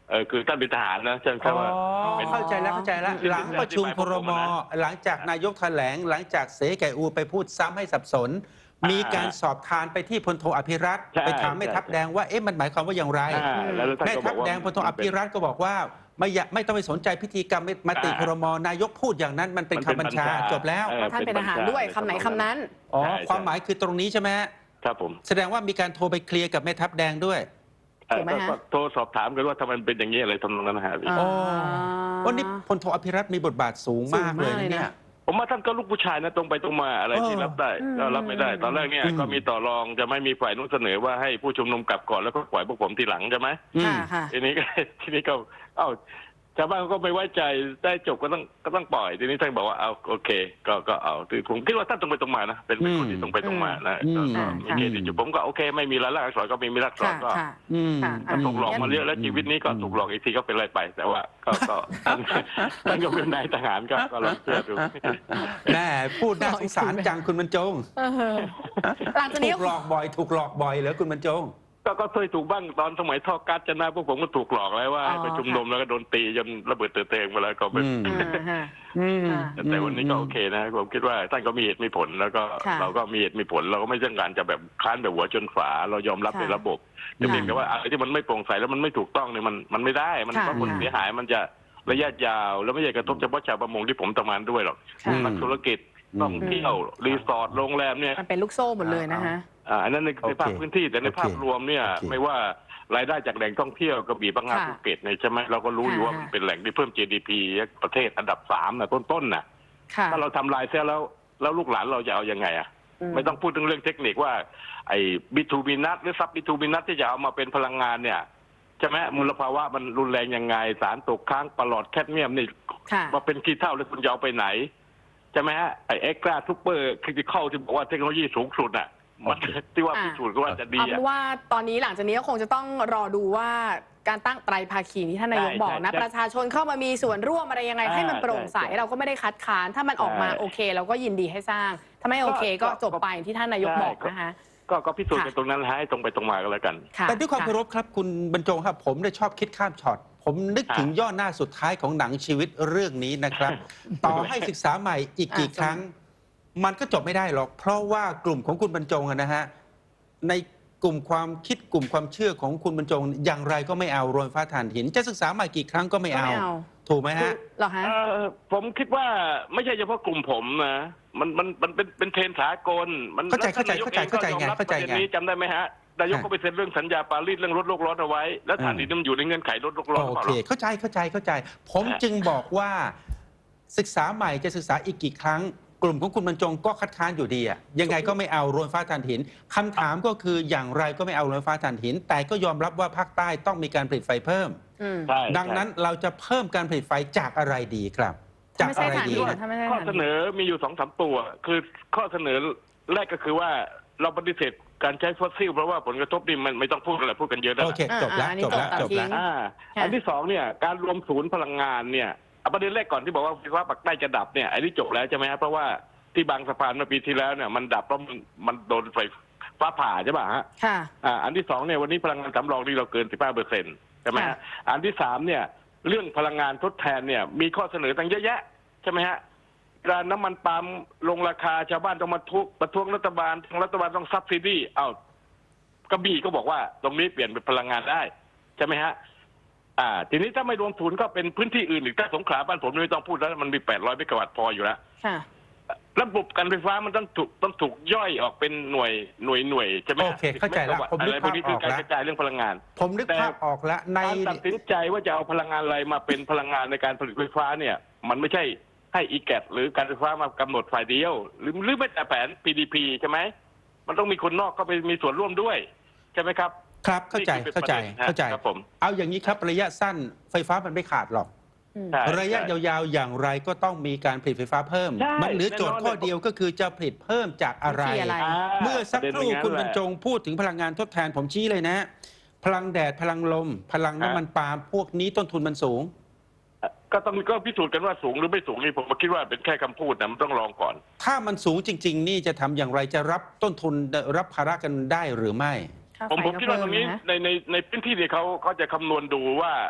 S4: เออคือท่านเป็นทหารนะใช่ไหมค
S1: อ๋
S4: รับ
S1: อ
S4: ว่าเป็น
S1: เข้าใจแล้วเข้าใจแล้ว
S4: เป็น
S1: หลังประชุม
S4: เป็น
S1: ครม
S4: เป็น
S1: หลังจากนายกแถลง หลังจากเสแก่อูไปพูดซ้ำให้สับสน
S4: อ่ามี
S1: มีการสอบทานไปที่พลโทอภิรัตน์
S4: ใช่
S1: ไปถามแม่ทัพ
S4: ใช่
S1: แดงว่าเอ๊ะมันหมายความว่าอย่างไร
S4: อ่าแล้วท่าน
S1: แม่
S4: ก็บ
S1: ทั
S4: อ
S1: พ
S4: กว่า
S1: แดงพลโทอภิรัตน์ก็บอกว่าไม่อยากไม่ต้องไปสนใจพิธีกรรมมติ
S4: อ่า
S1: ครม นายกพูดอย่างนั้นมันเป็น
S4: มัน
S1: คำ
S4: เป็น
S1: บัญชา
S4: บัญชา
S1: จบแล้ว
S4: เอ
S2: เพราะท่านเป็นทหารด้วยคำไหนคำนั้น
S1: อ๋อ
S4: ใช่
S1: ความหมายคือตรงนี้ใช่ไหมฮะ
S4: ครับผม
S1: แสดงว่ามีการโทรไปเคลียร์กับแม่ทัพแดงด้วย
S4: เอ่อ
S2: ถูกไหมฮะ
S4: ก็โทรสอบถามกันว่าทำไมมันเป็นอย่างนี้อะไรทำนองนั้นนะฮะพี่
S2: อ่า
S1: วันนี้พลโทอภิรัตน์มีบทบาทสูงมากเลยนะเนี่ย
S4: ผมว่าท่านก็ลูกผู้ชายนะตรงไปตรงมาอะไรที่
S1: เออ
S4: รับได้
S2: อืม
S4: ก็รับไม่ได้ ตอนแรกเนี่ย
S1: อืม
S4: ก็มีต่อรองจะไม่มีฝ่ายนู้นเสนอว่าให้ผู้ชุมนุมกลับก่อนแล้วก็ปล่อยพวกผมทีหลังใช่ไหม
S1: อืม
S2: ค่ะค่ะ
S4: ทีนี้ก็ ทีนี้ก็เอ้าชาวบ้านก็ไม่ไว้ใจได้จบก็ต้องก็ต้องปล่อยทีนี้ท่านบอกว่าเอาโอเค ก็ก็เอาคือผมคิดว่าท่านตรงไปตรงมานะเป็นเป็นคนที่ตรงไปตรงมานะ
S1: อืม
S4: ก็ก็
S2: อืม
S4: มีเกณฑ์ที่จุดผมก็โอเค ไม่มีรายลักษณ์อักษรก็มีมีรักษ
S2: ค่ะ
S4: รก็
S2: ค่ะ
S1: อืม
S2: ค่ะ
S4: มันถูกหลอกมาเยอะแล้ว
S1: อืม
S4: ชีวิตนี้ก็ถูกหลอกอีกทีก็เป็นไรไป แต่ว่าก็ก็ท่านท่านก็เป็นนายทหารก็ก็ลองเชื่อดู
S1: แม่พูดน่าสงสารจังคุณบรรจง
S2: เออหลังจากนี้
S1: ถูกหลอกบ่อย ถูกหลอกบ่อยเหรอคุณบรรจง
S4: ก็ก็เคยถูกบ้างตอนสมัยท่อกัสจะนะพวกผมก็ถูกหลอกแล้วว่า
S2: อ๋อ
S4: ให้ไปชุมนุมแล้วก็โดนตีจนระเบิดเตือนเตงมาแล้วก็เป็น
S1: อืม
S2: อ่าฮะ
S1: อืม
S2: ค่ะ
S4: แต่วันนี้ก็โอเคนะผมคิดว่าท่านก็มีเหตุมีผลแล้วก็
S2: ค่ะ
S4: เราก็มีเหตุมีผลเราก็ไม่ต้องการจะแบบค้านแบบหัวจนฝาเรายอมรับ
S2: ค่ะ
S4: ในระบบแต่เพียงแต่ว่าอะไรที่มันไม่โปร่งใสแล้วมันไม่ถูกต้องเนี่ยมันมันไม่ได้มัน
S2: ค่ะ
S4: เพราะคน
S2: ค่ะ
S4: เสียหายมันจะระยะยาวแล้วไม่ใช่กระทบเฉพาะชาวประมงที่ผมทำงานด้วยหรอก
S2: ค่ะ
S4: นักธุรกิจ
S1: อืม
S4: ท่องเที่ยวรีสอร์ทโรงแรมเนี่ย
S2: มันเป็นลูกโซ่หมดเลยนะฮะ
S4: อ่าอันนั้นใน
S1: โอเค
S4: ในภาพพื้นที่แต่ใน
S1: โอเค
S4: ภาพรวมเนี่ย
S1: โอเค
S4: ไม่ว่ารายได้จากแหล่งท่องเที่ยวกระบี่พังงา
S2: ค่ะ
S4: ภูเก็ตเนี่ยใช่ไหมเราก็รู้อยู่ว่า
S2: ค่ะ
S4: มันเป็นแหล่งที่เพิ่ม จี ดี พี ประเทศอันดับสามนะต้นๆน่ะ
S2: ค่ะ
S4: ถ้าเราทำลายเสียแล้วแล้วลูกหลานเราจะเอายังไงอ่ะ
S2: อืม
S4: ไม่ต้องพูดถึงเรื่องเทคนิคว่าไอ้บิทูบินัทหรือซับบิทูบินัทที่จะเอามาเป็นพลังงานเนี่ยใช่ไหมมลภาวะมันรุนแรงยังไงสารตกค้างปลอดแคดเมียมนี่
S2: ค่ะ
S4: มาเป็นขี้เท่าแล้วคุณจะเอาไปไหนใช่ไหมฮะไอ้เอ็กซ์ตร้าทูเปอร์คริติคอลที่บอกว่าเทคโนโลยีสูงสุดอ่ะมันที่ว่า
S2: อ่า
S4: พิสูจน์ก็ว่าจะดี
S2: เอาเป็
S4: อ่ะ
S2: นว่าตอนนี้หลังจากนี้ก็คงจะต้องรอดูว่าการตั้งไตรภาคีที่ท่านนายก
S4: ใช่
S2: บอกนะ
S4: ใช่
S2: ประชาชนเข้ามามีส่วนร่วมอะไรยังไง
S4: อ่า
S2: ให้มันโปร่งใส
S4: ใช่
S2: เราก็ไม่ได้คัดค้านถ้ามันออกมา
S4: ใช่
S2: โอเคเราก็ยินดีให้สร้าง ถ้าไม่โอเคก็
S4: ก็
S2: จบไปอย่างที่ท่านนายก
S4: ใช่
S2: บอก
S4: ก็
S2: นะคะ
S4: ก็ก็พิสูจน์
S2: ค่ะ
S4: กันตรงนั้นให้ตรงไปตรงมากันแล้วกัน
S2: ค่ะ
S1: แต่ด้วยความ
S2: ะ
S1: เคารพครับคุณบรรจงครับ ผมได้ชอบคิดข้ามช็อต ผมนึกถึงย่อหน้าสุดท้ายของหนังชีวิตเรื่องนี้นะครับ ต่อให้ศึกษาใหม่อีกกี่
S2: อ่า
S1: ครั้ง มันก็จบไม่ได้หรอก เพราะว่ากลุ่มของคุณบรรจงอะนะฮะในกลุ่มความคิดกลุ่มความเชื่อของคุณบรรจง อย่างไรก็ไม่เอาโรยฟ้าถ่านหิน จะศึกษาใหม่กี่ครั้งก็ไม่
S2: ก็
S1: เอา
S2: ไม่เอา
S1: ถูกไหมฮะ
S2: เหรอฮะ
S4: เอ่อผมคิดว่าไม่ใช่เฉพาะกลุ่มผมนะมันมันมันเป็นเป็นเทรนด์สากลมัน
S1: เข้าใจ
S4: แล้วท่นนยก
S1: เข้าใจ
S4: องก็
S1: เข้าใจ
S4: ยอมรับ
S1: เข้าใจ
S4: ประเด็น
S1: ไง
S4: นี้จำได้ไหมฮะนายกก็ไปเซ็นเรื่องสัญญาปารีสเรื่องลดโลกร้อนเอาไว้ แล้วถ่านหินมันอยู่ในเงื่อนไขลดโลกร้อนหรือ
S1: โอ
S4: เปล่า
S1: เค
S4: หรอ
S1: เข้าใจเข้าใจเข้าใจ ผมจึงบอกว่าศึกษาใหม่จะศึกษาอีกกี่ครั้ง กลุ่มของคุณบรรจงก็คัดค้านอยู่ดีอะยังไงก็ไม่เอาโรยฟ้าถ่านหินคำถามก็คืออย่างไรก็ไม่เอาโรยฟ้าถ่านหิน แต่ก็ยอมรับว่าภาคใต้ต้องมีการผลิตไฟเพิ่ม
S2: อืม
S4: ใช่
S1: ดังนั้นเราจะเพิ่มการผลิตไฟจากอะไรดีครับ
S2: ถ้า
S1: จาก
S2: ไม่ใช่
S1: อะไร
S2: ถ่าน
S1: ดี
S2: หิน
S1: นะ
S2: ถ้าไม่ใช่
S4: ข้อ
S2: ถ่าน
S4: เส
S2: หิน
S4: นอมีอยู่สองสามตัว คือข้อเสนอแรกก็คือว่าเราปฏิเสธการใช้ฟอสซิลเพราะว่าผลกระทบนี่มันไม่ต้องพูดอะไรพูดกันเยอะแล้ว
S1: โอ
S4: ล่ะ
S1: เคจบแล้ว
S2: อ่าอันนี้
S1: จบแล้ว
S2: จ
S1: จ
S2: บบ ตัดทิ้
S1: แล้ว
S2: ง
S4: อ่า
S2: ค่ะ
S4: อันที่สองเนี่ยการรวมศูนย์พลังงานเนี่ยเอาประเด็นแรกก่อนที่บอกว่าไฟฟ้าปักใต้จะดับเนี่ยอันนี้จบแล้วใช่ไหมฮะเพราะว่าที่บางสะพานเมื่อปีที่แล้วเนี่ยมันดับเพราะมันมันโดนไฟฟ้าผ่าใช่ป่ะฮะ
S2: ค่ะ
S4: อ่าอันที่สองเนี่ยวันนี้พลังงานสำรองที่เราเกิน สิบห้าเปอร์เซ็นต์ ใช่ไหม
S2: ค่ะ
S4: ฮะอันที่สามเนี่ยเรื่องพลังงานทดแทนเนี่ยมีข้อเสนอตั้งเยอะแยะใช่ไหมฮะการน้ำมันปาล์มลงราคาชาวบ้านต้องมาทุกประท้วงรัฐบาลทางรัฐบาลต้องซับซิดี้เอ้ากระบี่ก็บอกว่าตรงนี้เปลี่ยนเป็นพลังงานได้ใช่ไหมฮะอ่าทีนี้ถ้าไม่รวมทุนก็เป็นพื้นที่อื่นอีกถ้าสงขลาบ้านผมไม่ต้องพูดแล้วมันมีแปดร้อยเมกะวัตต์พออยู่แล้ว
S2: ค่ะ
S4: ระบบการไฟฟ้ามันต้องถูกต้องถูกย่อยออกเป็นหน่วยหน่วยหน่วยใช่ไหม
S1: โอเคเข้าใจแล้วผมนึ
S4: อะไร
S1: ก
S4: พว
S1: ภาก พ
S4: นี้
S1: อ
S4: คือ
S1: อก
S4: การ
S1: แล้ว
S4: กระจายเรื่องพลังงาน
S1: ผมนึก
S4: แต่
S1: ภาพออกแล้วใน
S4: การตัดสินใจว่าจะเอาพลังงานอะไรมาเป็นพลังงานในการผลิตไฟฟ้าเนี่ย มันไม่ใช่ให้อีแกหรือการไฟฟ้ามากำหนดฝ่ายเดียว หรือหรือไม่แต่แผน พี ดี พี ใช่ไหมมันต้องมีคนนอกเข้าไปมีส่วนร่วมด้วยใช่ไหมครับ
S1: ครับเข้าใจ
S4: นี่คือ
S1: เข้าใจ
S4: ประเด็นฮะ
S1: เข้าใจ
S4: ครับผม
S1: เอาอย่างนี้ครับระยะสั้นไฟฟ้ามันไม่ขาดหรอก
S2: อืม
S4: ใช่
S1: ระยะ
S4: ใช่
S1: ยาวๆอย่างไรก็ต้องมีการผลิตไฟฟ้าเพิ่ม
S4: ใช่
S1: มันเหลือโจทย์
S4: แน่นอน
S1: ข้อเดียวก็คือจะผลิตเพิ่มจากอะไร
S2: วิธีอะไร
S1: เมื่อสักครู่
S4: ปะเด็น
S1: คุณบรรจ
S4: เป็น
S1: งพูดถึงพลังงานทดแทนผมชี้เลยนะ พลังแดดพลังลม พลังน้ำมันปาล์มพวกนี้ต้นทุนมันสูง
S4: ก็ต้องก็พิสูจน์กันว่าสูงหรือไม่สูงนี่ผมคิดว่าเป็นแค่คำพูดนะมันต้องลองก่อน
S1: ถ้ามันสูงจริง ๆ นี่จะทำอย่างไรจะรับต้นทุนรับภาระกันได้หรือไม่
S2: ค่า
S4: ผม
S2: ไฟ
S4: ผม
S2: ก็
S4: คิดว่าต
S2: เพิ่
S4: รงนี้
S2: นะ
S4: ในในในพื้นที่ที่เขาเขาจะคำนวณดูว่า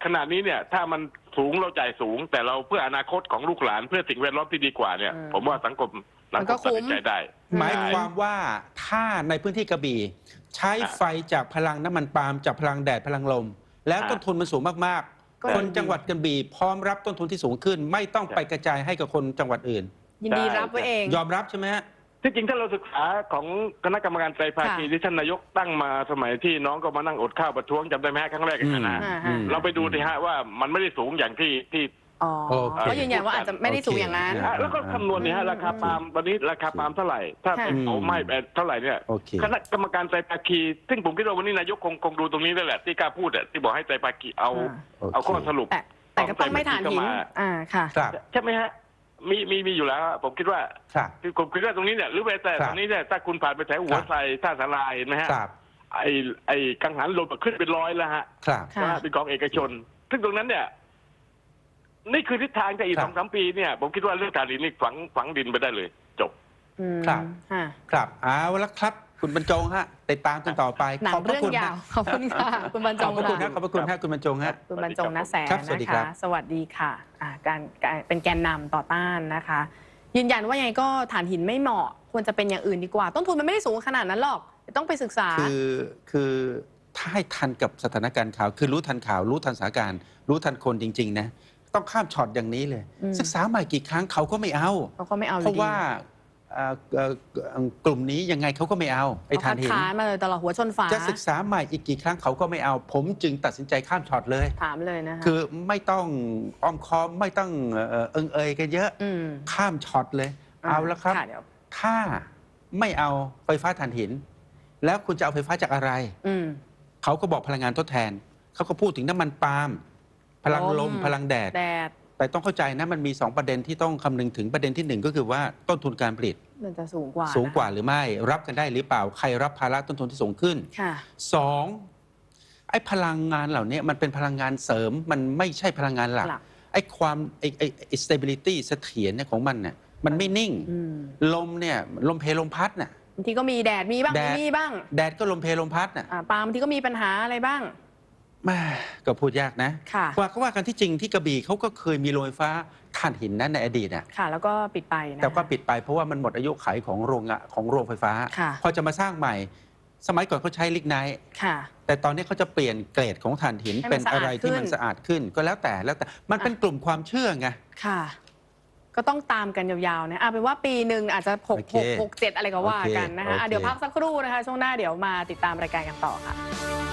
S4: ขณะนี้เนี่ย ถ้ามันสูงเราจ่ายสูง แต่เราเพื่ออนาคตของลูกหลานเพื่อสิ่งแวดล้อมที่ดีกว่าเนี่ย
S2: อืม
S4: ผมว่าสังคม
S2: มั
S4: สัง
S2: น
S4: ค
S2: ก็
S4: ม
S2: คุ้
S4: ตัด
S2: ม
S4: สินใจได้
S1: หมายความว่าถ้าในพื้นที่กระบี่ใช้ไฟจากพลังน้ำมันปาล์มจากพลังแดดพลังลม แล้ว
S4: อ่า
S1: ต้นทุนมันสูงมาก
S2: ก็
S1: ๆ คน
S2: ดี
S1: จังหวัดกระบี่พร้อมรับต้นทุนที่สูงขึ้น ไม่ต้องไปกระจายให้กับคนจังหวัดอื่น
S2: ยินดีรับไว้เอง
S1: ยอมรับใช่ไหมฮะ
S4: ที่จริงถ้าเราศึกษาของคณะกรรมการไตรภาคี
S2: ค่ะ
S4: ที่ท่านนายกตั้งมาสมัยที่น้องก็มานั่งอดข้าวประท้วงจำได้ไหมฮะครั้งแรกอะนะ
S2: อ่าฮะ
S4: เราไปดูสิฮะว่ามันไม่ได้สูงอย่างที่ที่
S2: อ๋อ
S1: โอเค
S2: ก็ยืนยันว่าอาจจะไม่ได้สูงอย่างนั้น
S1: โอเค
S4: อ่ะแล้วก็คำนวณเนี่ยฮะราคาปาล์มวันนี้ราคาปาล์มเท่าไหร่ ถ้า
S2: ค่ะ
S4: เป็นเผาไหม้ไปเท่าไหร่เนี่ย
S1: โอเค
S4: คณะกรรมการไตรภาคี ซึ่งผมคิดว่าวันนี้นายกคงคงดูตรงนี้ด้วยแหละที่กล้าพูดอะที่บอกให้ไตรภาคีเอา
S2: อ่า
S4: เอาข้อสรุป
S2: แต่แต่ก็ต้องไม่ฐานหิน
S4: เข้ามา
S2: อ่าค่ะ
S1: ครับ
S4: ใช่ไหมฮะมีมีมีอยู่แล้วอะผมคิดว่า
S1: ครับ
S4: คือผมคิดว่าตรงนี้เนี่ยหรือแม้แต่
S1: ครับ
S4: ตรงนี้เนี่ยถ้าคุณผ่านไปแถวหัวไทรท่าสาราเห็นไหมฮะ
S1: ครับ
S4: ไอ้ไอ้กังหันลมขึ้นเป็นร้อยแล้วฮะ
S1: ครับ
S2: ค่ะ
S4: นะฮะเป็นกองเอกชน ซึ่งตรงนั้นเนี่ย นี่คือทิศทางแต่อีก
S1: ครับ
S4: สองสามปีเนี่ยผมคิดว่าเรื่องการดินนี่ฝังฝังดินไปได้เลย จบ
S2: อืม
S1: ครับ
S2: ค่ะ
S1: ครับเอาละครับ คุณบรรจงฮะติดตามกันต่อไป
S2: หนัง
S1: ขอบพระ
S2: เรื่อง
S1: คุณ
S2: ยาว
S1: ฮะ
S2: ขอบคุณค่ะ คุณบรรจ
S1: ขอบ
S2: ง
S1: พระคุณ
S2: ค่ะ
S1: ฮะขอบพระคุณฮะคุณบรรจงฮะ
S2: คุณบรรจงนะแสน
S1: ครับสวัส
S2: นะ
S1: ดีครั
S2: คะ
S1: บ
S2: สวัสดีค่ะอ่าการการเป็นแกนนำต่อต้านนะคะ ยืนยันว่ายังไงก็ถ่านหินไม่เหมาะ ควรจะเป็นอย่างอื่นดีกว่า ต้นทุนมันไม่ได้สูงขนาดนั้นหรอกต้องไปศึกษา
S1: คือคือถ้าให้ทันกับสถานการณ์ข่าว คือรู้ทันข่าว รู้ทันสถานการณ์ รู้ทันคนจริง ๆ นะ ต้องข้ามช็อตอย่างนี้เลย
S2: อืม
S1: ศึกษาใหม่กี่ครั้งเขาก็ไม่เอา
S2: เขาก็ไม่เอาอยู่
S1: เพราะ
S2: ดี
S1: ว่าเอ่อเอ่อกลุ่มนี้ยังไงเขาก็ไม่เอาไอ้
S2: เขา
S1: ทา
S2: คั
S1: น
S2: ด
S1: หิน
S2: ค้านมาเลยตลอดหัวชนฝา
S1: จะศึกษาใหม่อีกกี่ครั้งเขาก็ไม่เอา ผมจึงตัดสินใจข้ามช็อตเลย
S2: ถามเลยนะคะ
S1: คือไม่ต้องอ้อมค้อมไม่ต้องเอ่อเอิงเอยกันเยอะ
S2: อืม
S1: ข้ามช็อตเลย เอาละครับ
S2: เดี๋ยว
S1: ถ้าไม่เอาไฟฟ้าถ่านหิน แล้วคุณจะเอาไฟฟ้าจากอะไร
S2: อืม
S1: เขาก็บอกพลังงานทดแทน เขาก็พูดถึงน้ำมันปาล์มพลังล
S2: ล
S1: ม
S2: ม
S1: พลังแดด
S2: แดด
S1: แต่ต้องเข้าใจนะมันมี สอง ประเด็นที่ต้องคำนึงถึงประเด็นที่หนึ่งก็คือว่าต้นทุนการผลิต
S2: มันจะสูงกว่า
S1: สูงกว่า
S2: นะ
S1: หรือไม่ รับกันได้หรือเปล่า ใครรับภาระต้นทุนที่สูงขึ้น
S2: ค่ะ
S1: สองไอ้พลังงานเหล่านี้มันเป็นพลังงานเสริมมันไม่ใช่พลังงานหลัก
S2: หลัก
S1: ไอ้ความไอ้ไอ้ไอ้ stability เสถียรเนี่ยของมันเนี่ยมันไม่นิ่ง
S2: อืม
S1: ลมเนี่ยลมเพลลมพัดน่ะ
S2: บางทีก็มีแดดมีบ้าง
S1: แด
S2: ไม่
S1: ด
S2: มีบ้าง
S1: แดดก็ลมเพลลมพัดน่ะ
S2: อ่าปาล์มบางทีก็มีปัญหาอะไรบ้าง
S1: แม่ก็พูดยากนะ
S2: ค่ะ
S1: ว่าก็ว่ากันที่จริงที่กระบี่เขาก็เคยมีโรงไฟฟ้าถ่านหินนั้นในอดีตน่ะ
S2: ค่ะ แล้วก็ปิดไปนะ
S1: แต่ก็ปิดไปเพราะว่ามันหมดอายุขัยของโรงงานของโรงไฟฟ้า
S2: ค่ะ
S1: พอจะมาสร้างใหม่ สมัยก่อนเขาใช้ลิกไนท์
S2: ค่ะ
S1: แต่ตอนนี้เขาจะเปลี่ยนเกรดของถ่านหิน
S2: ให้มัน
S1: เป็นอะไรที่
S2: สะอาดขึ้น
S1: มันสะอาดขึ้น ก็แล้วแต่แล้วแต่มันเป็นกลุ่มความเชื่อไง
S2: ค่ะ ก็ต้องตามกันยาวๆนะเอาเป็นว่าปีหนึ่งอาจจะหก
S1: โอเค
S2: หกหกเจ็ดอะไรก็ว่า
S1: โอเค
S2: กันนะคะอ่ะ
S1: โอเค
S2: เดี๋ยวพักสักครู่นะคะ ช่วงหน้าเดี๋ยวมาติดตามรายการกันต่อค่ะ